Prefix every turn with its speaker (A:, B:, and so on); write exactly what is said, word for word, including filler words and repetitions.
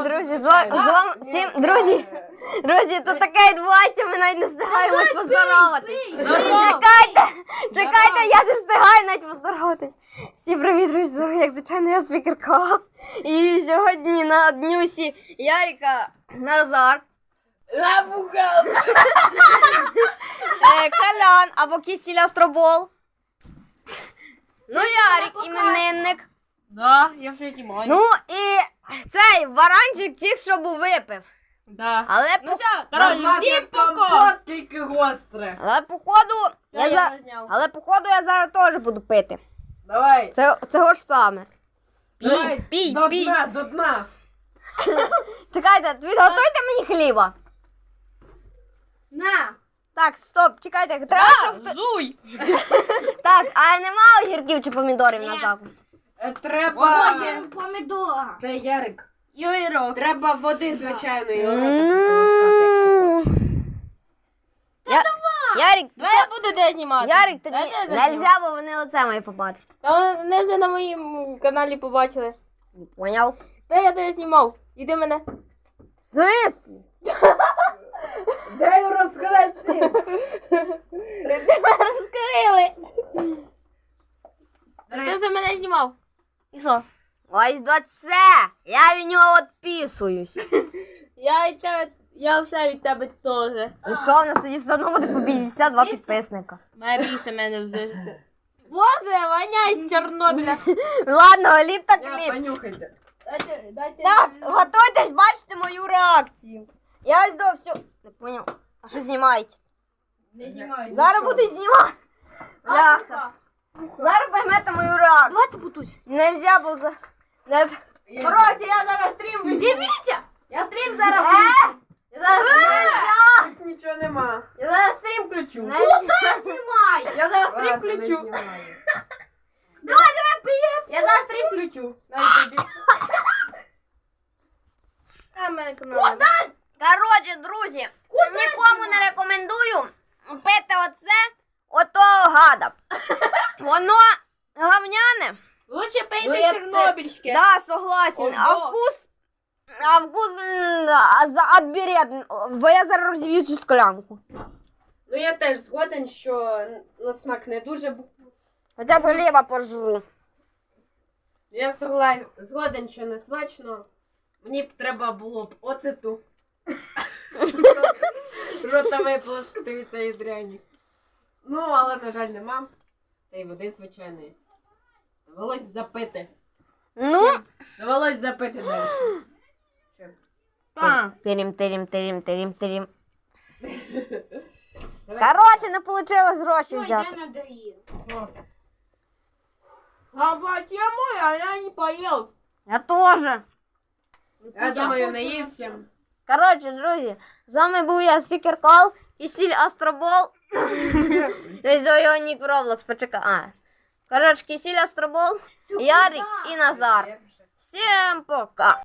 A: друзі, з ва- з вами всім, друзі, друзі, тут таке відбувається, ми навіть не встигаємось поздороватись. Чекайте, чекайте, я не встигаю навіть поздороватись. Всім привіт, друзі, з вами, як звичайно, я Спікер Кол. І сьогодні на днюсі Ярика Назар, е, Колян або Кісіль Астробол. Ну, Ярик, іменинник.
B: Да, я вже знімаю.
A: Ну і цей варанчик тільки що був випив.
B: Да.
A: Але
B: Ну
A: по,
B: все, коротше, всім пока.
C: Тільки гостре.
A: але походу, я
B: Я
A: за,
B: не зняв.
A: але походу я зараз теж буду пити.
C: Давай.
A: Це цього ж саме.
C: Давай.
B: пій,
C: До
B: пій.
C: дна, до дна.
A: Чекайте, підготуйте мені хліба.
B: На.
A: Так, стоп, чекайте, треба, щоб... хто-
B: Зуй.
A: Так, а нема огірків чи помідорів на закус?
C: Е, Треба...
B: Воно є.
D: Помідора.
C: Це Ярик.
B: Юйрок.
C: Треба води звичайної.
A: Ну, Я... Ярик,
B: Давай я буду де знімати.
A: Ярик, тобі
B: Давай я де зніму.
A: нельзя, бо вони лице моє побачать.
B: Та вони вже на моєму каналі побачили.
A: Поняв?
B: Та я де знімав. Іди мене.
A: В смислі?
C: Дай розкрити.
B: Розкрили. Ти вже мене знімав. І що?
A: Ось до це. Я від нього відписуюсь.
B: Я від тебе, я все від тебе теж.
A: І що, у нас тоді все одно буде по п'ятдесят два підписника.
B: Має більше мене вже. Боже, воняє з Чорнобиля.
A: Ладно, гліб так
C: Я,
A: гліб.
C: понюхайте.
B: Дайте, дайте.
A: Так, готуйтесь, бачите мою реакцію. Я ось до всього... Не поняв. А що знімаєте?
B: Не знімай.
A: Зараз буду знімати. Бляха. Зараз поймете мою реакцію.
D: Давайте бутусь.
A: Нельзя було за... Не...
B: Коротше, я зараз стрім вимкну.
D: Дивіться.
B: Я стрім зараз
A: Е?
B: включу. Я зараз,
A: Нельзя!
C: Нічого нема.
B: я зараз стрім включу.
A: Нельзя!
D: Знімай.
B: Я зараз стрім
C: Ладно, не
B: включу.
C: знімаю.
D: Давай, давай, пиємо.
B: Я зараз стрім включу. На ютубі. А, в мене канал.
A: Коротше, друзі, нікому не рекомендую пити оце, отого гада. Воно говняне.
B: Лучше
C: Ну,
B: пийте
C: я
B: чорнобильське.
A: Да, согласен. А
B: Ого.
A: вкус... А вкус... м, а, за- Отберет. Бо я зараз розіб'ю цю склянку.
C: Ну я теж згоден, що на смак не дуже. бу-
A: Хоча б хліба пожру.
C: Я согла- згоден, що не смачно. Мені б треба було б оцету. Рота виплескати від цієї дряні. Ну, але, на жаль, нема. Та й води звичайної. Довелось запити.
A: Ну,
C: Довелось запити далі. Що?
B: А.
A: тирім, тирім, тирім, тирім, тирім.
C: Давай.
A: Коротше, не вийшло гроші
D: Ой,
A: взяти.
D: я надоїв.
C: О,
B: А почему я, я не поел?
A: Я теж.
C: Я думаю, наївся.
A: Коротше, друзі, з вами був я, Спікер Кол, Кісіль Астробол. Ось його нік в Роблокс, почекай. А. Коротше, Кісіль Астробол, Ярик і Назар. Всім пока.